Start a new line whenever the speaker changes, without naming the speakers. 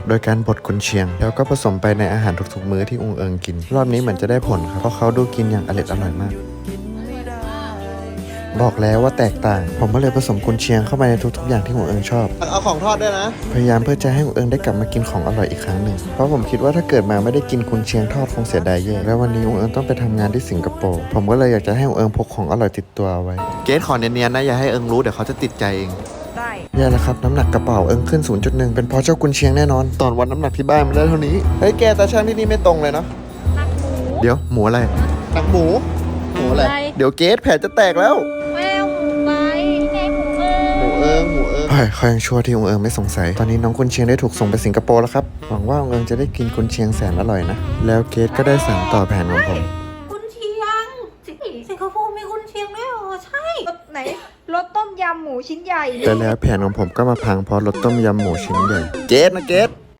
โดยการบดกุนเชียงแล้วก็ผสมไปในอาหารทุกๆมื้อที่องค์เอิงกินรอบนี้เหมือนจะได้ผลครับเพราะเขาดูกินอย่างอร่อยมากบอกแล้วว่าแตกต่างผมก็เลยผสมกุนเชียงเข้าไปในทุกๆอย่างที่องค์เอิงชอบเอาของทอดด้วยนะพยายามเพื่อจะให้องค์เอิงได้กลับมากินของอร่อยอีกครั้งหนึ่งเพราะผมคิดว่าถ้าเกิดมาไม่ได้กินกุนเชียงทอดคงเสียดายแย่แล้ววันนี้องค์เอิงต้องไปทำงานที่สิงคโปร์ผมก็เลยอยากจะให้องค์เอิงพกของอร่อยติดตัวเอาไว้เกสขอเนียนๆนะอย่าให้เอิงรู้เดี๋ยวเขาจะติดใจเอง
ได้
แย่แล้วครับน้ำหนักกระเป๋าเอิงขึ้น 0.1 เป็นเพราะเจ้ากุนเชียงแน่นอนตอนวัดน้ำหนักที่บ้านมันได้เท่านี้เฮ้ยแกตาช่างที่นี่ไม่ตรงเลยเนาะ
หนักหมู
เดี๋ยวหมูอะไรหนักหมูอะไรเดี๋ยวเกสแผลจะแตกแล้ว
แมวหมูไปไงหมู
หมูเอิงเขายังชั่วที่องค์เอิงไม่สงสัยตอนนี้น้องกุนเชียงได้ถูกส่งไปสิงคโปร์แล้วครับหวังว่าองค์เอิงจะได้กินกุนเชียงแสนอร่อยนะแล้วเกสก็ได้สานต่อแผนของผม
กุนเชียงสิงคโปร์มีกุนเชียงด้วยเหรอใช่รสไหนรสต้มยำหมูชิ้นใหญ่
แต่แล้วแผนของผมก็มาพังเพราะรสต้มยำหมูชิ้นใหญ่เกส